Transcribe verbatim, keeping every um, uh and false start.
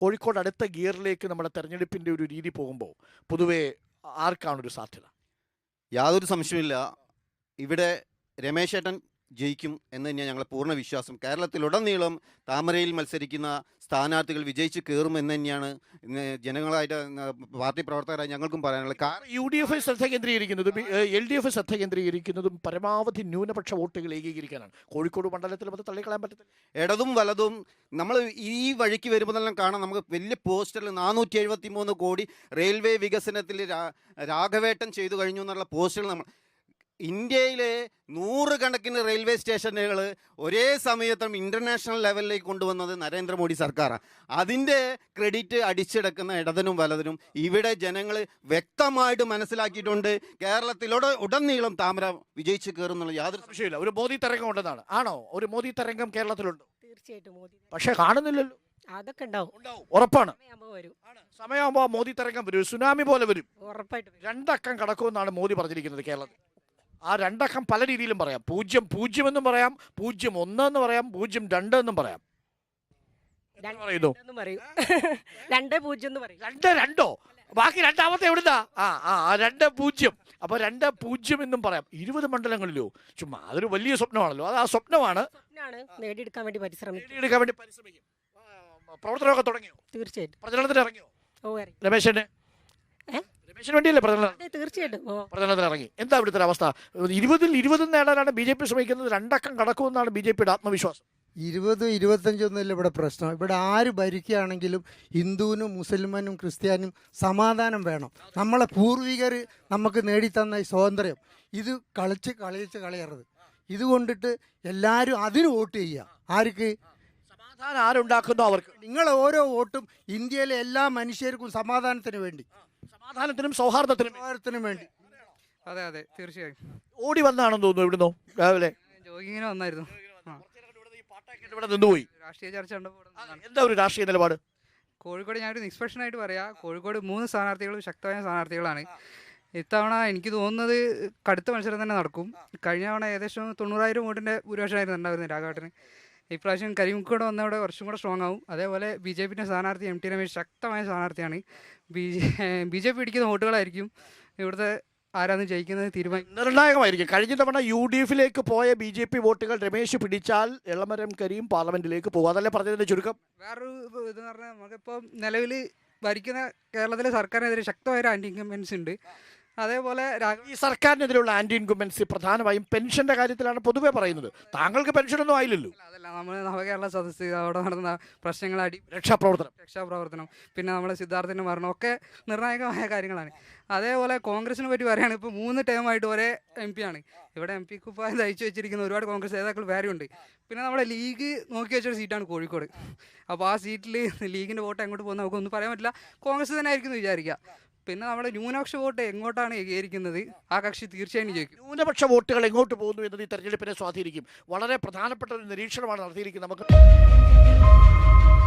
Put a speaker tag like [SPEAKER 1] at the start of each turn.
[SPEAKER 1] കോഴിക്കോട് അടുത്ത ഗിയറിലേക്ക് നമ്മുടെ തെരഞ്ഞെടുപ്പിൻ്റെ ഒരു രീതി പോകുമ്പോൾ പൊതുവേ ആർക്കാണൊരു സാധ്യത?
[SPEAKER 2] യാതൊരു സംശയമില്ല, ഇവിടെ രമേശ് ഏട്ടൻ ജയിക്കും എന്ന് തന്നെയാണ് ഞങ്ങളെ പൂർണ്ണ വിശ്വാസം. കേരളത്തിലുടനീളം താമരയിൽ മത്സരിക്കുന്ന സ്ഥാനാർത്ഥികൾ വിജയിച്ച് കയറും എന്ന് തന്നെയാണ് ജനങ്ങളായിട്ട് പാർട്ടി പ്രവർത്തകരായി ഞങ്ങൾക്കും പറയാനുള്ളത്. കാരണം
[SPEAKER 1] യു ഡി എഫ് ശ്രദ്ധ കേന്ദ്രീകരിക്കുന്നതും എൽ ഡി എഫ് ശ്രദ്ധ കേന്ദ്രീകരിക്കുന്നതും പരമാവധി ന്യൂനപക്ഷ വോട്ടുകൾ ഏകീകരിക്കാനാണ്. കോഴിക്കോട് മണ്ഡലത്തിൽ അത് തള്ളിക്കളയാൻ പറ്റത്തില്ല.
[SPEAKER 2] ഇടതും വലതും നമ്മൾ ഈ വഴിക്ക് വരുമ്പോൾ തന്നെ കാണാം, നമുക്ക് വലിയ പോസ്റ്ററിൽ നാനൂറ്റി എഴുപത്തി മൂന്ന് കോടി റെയിൽവേ വികസനത്തിൽ രാഘവേട്ടൻ ചെയ്തു കഴിഞ്ഞു എന്നുള്ള പോസ്റ്ററുകൾ നമ്മൾ ഇന്ത്യയിലെ നൂറുകണക്കിന് റെയിൽവേ സ്റ്റേഷനുകൾ ഒരേ സമയത്തും ഇൻ്റർനാഷണൽ ലെവലിലേക്ക് കൊണ്ടുവന്നത് നരേന്ദ്രമോദി സർക്കാരാണ്. അതിൻ്റെ ക്രെഡിറ്റ് അടിച്ചെടുക്കുന്ന ഇടതിനും വലതിനും ഇവിടെ ജനങ്ങൾ വ്യക്തമായിട്ട് മനസ്സിലാക്കിയിട്ടുണ്ട്. കേരളത്തിലൂടെ ഉടനീളം താമര വിജയിച്ച് കയറുന്നുള്ള യാതൊരു
[SPEAKER 1] സംശയമില്ല. ഒരു മോദി തരംഗം ഉണ്ടെന്നാണ്. ആണോ? ഒരു മോദി തരംഗം കേരളത്തിലുണ്ട്?
[SPEAKER 3] തീർച്ചയായിട്ടും മോദി.
[SPEAKER 1] പക്ഷെ കാണുന്നില്ലല്ലോ.
[SPEAKER 3] അതൊക്കെ ഉണ്ടാവും,
[SPEAKER 1] ഉറപ്പാണ്.
[SPEAKER 3] വരും.
[SPEAKER 1] സമയമാകുമ്പോൾ മോദി തരംഗം വരും, സുനാമി പോലെ വരും,
[SPEAKER 3] ഉറപ്പായിട്ടും.
[SPEAKER 1] രണ്ടക്കം കടക്കുമെന്നാണ് മോദി പറഞ്ഞിരിക്കുന്നത് കേരളത്തിൽ. ആ രണ്ടക്കം പല രീതിയിലും പറയാം. പൂജ്യം പൂജ്യം എന്നും പറയാം, പൂജ്യം ഒന്ന് എന്ന് പറയാം, പൂജ്യം രണ്ട് എന്നും പറയാം. പറയുന്നു
[SPEAKER 3] രണ്ട് പൂജ്യം എന്ന് പറയും.
[SPEAKER 1] രണ്ട് രണ്ടോ? ബാക്കി രണ്ടാമത്തെ എവിടുന്നാ? ആ ആ രണ്ട് പൂജ്യം. അപ്പൊ രണ്ട് പൂജ്യം എന്നും പറയാം. ഇരുപത് മണ്ഡലങ്ങളിലോ? ചുമ്മാ അതൊരു വലിയ സ്വപ്നമാണല്ലോ. അത് ആ സ്വപ്നമാണ്
[SPEAKER 3] നേടിയെടുക്കാൻ വേണ്ടി പരിശ്രമിക്കും.
[SPEAKER 1] നേടിയെടുക്കാൻ വേണ്ടി പരിശ്രമിക്കും. പ്രവർത്തനമൊക്കെ തുടങ്ങിയോ?
[SPEAKER 3] തീർച്ചയായിട്ടും.
[SPEAKER 1] പ്രചരണത്തിന് ഇറങ്ങിയോ
[SPEAKER 3] ഓ
[SPEAKER 1] രമേശന്? രമേശിന് വേണ്ടിയല്ലേ പ്രചരണം?
[SPEAKER 3] തീർച്ചയായിട്ടും
[SPEAKER 1] പ്രചരണത്തിന് ഇറങ്ങി. എന്താ ഇവിടുത്തെ അവസ്ഥ? ഇരുപതിൽ ഇരുപതും നേടാനാണ് ബി ജെ പി ശ്രമിക്കുന്നത്. രണ്ടക്കം കടക്കുമെന്നാണ് ബി ജെ പിയുടെ ആത്മവിശ്വാസം.
[SPEAKER 4] ഇരുപത് ഇരുപത്തഞ്ചൊന്നുമില്ല ഇവിടെ പ്രശ്നം. ഇവിടെ ആര് ഭരിക്കുകയാണെങ്കിലും ഹിന്ദുവിനും മുസൽമാനും ക്രിസ്ത്യാനും സമാധാനം വേണം. നമ്മളെ പൂർവികർ നമുക്ക് നേടിത്തന്ന ഈ സ്വാതന്ത്ര്യം ഇത് കളിച്ച് കളിച്ച് കളയരുത്. ഇതുകൊണ്ടിട്ട് എല്ലാവരും അതിന് വോട്ട് ചെയ്യുക. ആർക്ക്?
[SPEAKER 1] സമാധാനം ആരുണ്ടാക്കുന്നോ അവർക്ക്.
[SPEAKER 4] നിങ്ങളെ ഓരോ വോട്ടും ഇന്ത്യയിലെ എല്ലാ മനുഷ്യർക്കും സമാധാനത്തിന് വേണ്ടി,
[SPEAKER 1] സമാധാനത്തിനും സൗഹാർദ്ദത്തിനും
[SPEAKER 4] സൗഹാർദ്ദത്തിനും വേണ്ടി.
[SPEAKER 5] അതെ അതെ തീർച്ചയായും.
[SPEAKER 1] ഓടി വന്നാണെന്ന് തോന്നുന്നു. ഇവിടുന്നോ രാവിലെ
[SPEAKER 5] ജോഗിങ്ങിന് വന്നായിരുന്നു.
[SPEAKER 1] ഇവിടെ നിന്നുപോയി.
[SPEAKER 5] രാഷ്ട്രീയ ചർച്ച
[SPEAKER 1] എന്താ ഒരു രാഷ്ട്രീയ നിലപാട്?
[SPEAKER 5] കോഴിക്കോട് ഞാനൊരു നിഷ്പക്ഷനായിട്ട് പറയാം, കോഴിക്കോട് മൂന്ന് സ്ഥാനാർത്ഥികളും ശക്തമായ സ്ഥാനാർത്ഥികളാണ്. ഇത്തവണ എനിക്ക് തോന്നുന്നത് കടുത്ത മത്സരം തന്നെ നടക്കും. കഴിഞ്ഞ തവണ ഏകദേശം തൊണ്ണൂറായിരം വോട്ടിൻ്റെ ഭൂരിപക്ഷമായിരുന്നു ഉണ്ടായിരുന്നത് രാഘവേട്ടന്. ഇപ്രാവശ്യം കരിമുക്കോട് വന്നവിടെ കുറച്ചും കൂടെ സ്ട്രോങ് ആവും. അതേപോലെ ബി ജെ പിൻ്റെ സ്ഥാനാർത്ഥി എം ടി രമേശ് ശക്തമായ സ്ഥാനാർത്ഥിയാണ്. B J B J P പിടിക്കുന്ന വോട്ടുകളായിരിക്കും ഇവിടുത്തെ ആരാന്ന് ജയിക്കുന്നത് തീരുമാനം
[SPEAKER 1] നിർണായകമായിരിക്കും. കഴിഞ്ഞ തവണ യു ഡി എഫിലേക്ക് പോയ ബി ജെ പി വോട്ടുകൾ രമേശ് പിടിച്ചാൽ എളമരം കരീം പാർലമെന്റിലേക്ക് പോകും. അതല്ലേ പറഞ്ഞതിന്റെ ചുരുക്കം?
[SPEAKER 5] വേറൊരു ഇതെന്ന് പറഞ്ഞാൽ നമുക്കിപ്പോൾ നിലവിൽ ഭരിക്കുന്ന കേരളത്തിലെ സർക്കാരിനെതിരെ ശക്തമായ ഒരു ആൻറ്റി ഇൻകംബൻസി ഉണ്ട്. അതേപോലെ
[SPEAKER 1] ഈ സർക്കാരിനെതിരെയുള്ള ആന്റി ഇൻകുംബൻസി പ്രധാനമായും പെൻഷന്റെ കാര്യത്തിലാണ് പൊതുവെ പറയുന്നത്. താങ്കൾക്ക് പെൻഷനൊന്നും ആയില്ലല്ലോ.
[SPEAKER 5] അതല്ല, നമ്മൾ നവകേരള സദസ്സ് അവിടെ നടന്ന പ്രശ്നങ്ങൾ, അടി
[SPEAKER 1] രക്ഷാപ്രവർത്തനം
[SPEAKER 5] രക്ഷാപ്രവർത്തനം പിന്നെ നമ്മുടെ സിദ്ധാർത്ഥിൻ്റെ മരണം ഒക്കെ നിർണായകമായ കാര്യങ്ങളാണ്. അതേപോലെ കോൺഗ്രസിനെ പറ്റി പറയുകയാണ്, ഇപ്പോൾ മൂന്ന് ടേമായിട്ട് ഒരേ എം പി ആണ്. ഇവിടെ എം പി കുപ്പായം തയ്ച്ചു വെച്ചിരിക്കുന്ന ഒരുപാട് കോൺഗ്രസ് നേതാക്കൾ വേറെയുണ്ട്. പിന്നെ നമ്മുടെ ലീഗ് നോക്കി വെച്ചൊരു സീറ്റാണ് കോഴിക്കോട്. അപ്പോൾ ആ സീറ്റിൽ ലീഗിൻ്റെ വോട്ട് എങ്ങോട്ട് പോകുന്ന നമുക്കൊന്നും പറയാൻ പറ്റില്ല. കോൺഗ്രസ് തന്നെ ആയിരിക്കും എന്ന് വിചാരിക്കുക. പിന്നെ നമ്മുടെ ന്യൂനപക്ഷ വോട്ട് എങ്ങോട്ടാണ് ഏകീകരിക്കുന്നത് ആ കക്ഷി തീർച്ചയായും ജയിക്കും.
[SPEAKER 1] ന്യൂനപക്ഷ വോട്ടുകൾ എങ്ങോട്ട് പോകുന്നു എന്നത് ഈ തെരഞ്ഞെടുപ്പിനെ സ്വാധീനിക്കും. വളരെ പ്രധാനപ്പെട്ട ഒരു നിരീക്ഷണമാണ് നടത്തിയിരിക്കുന്നത്. നമുക്ക്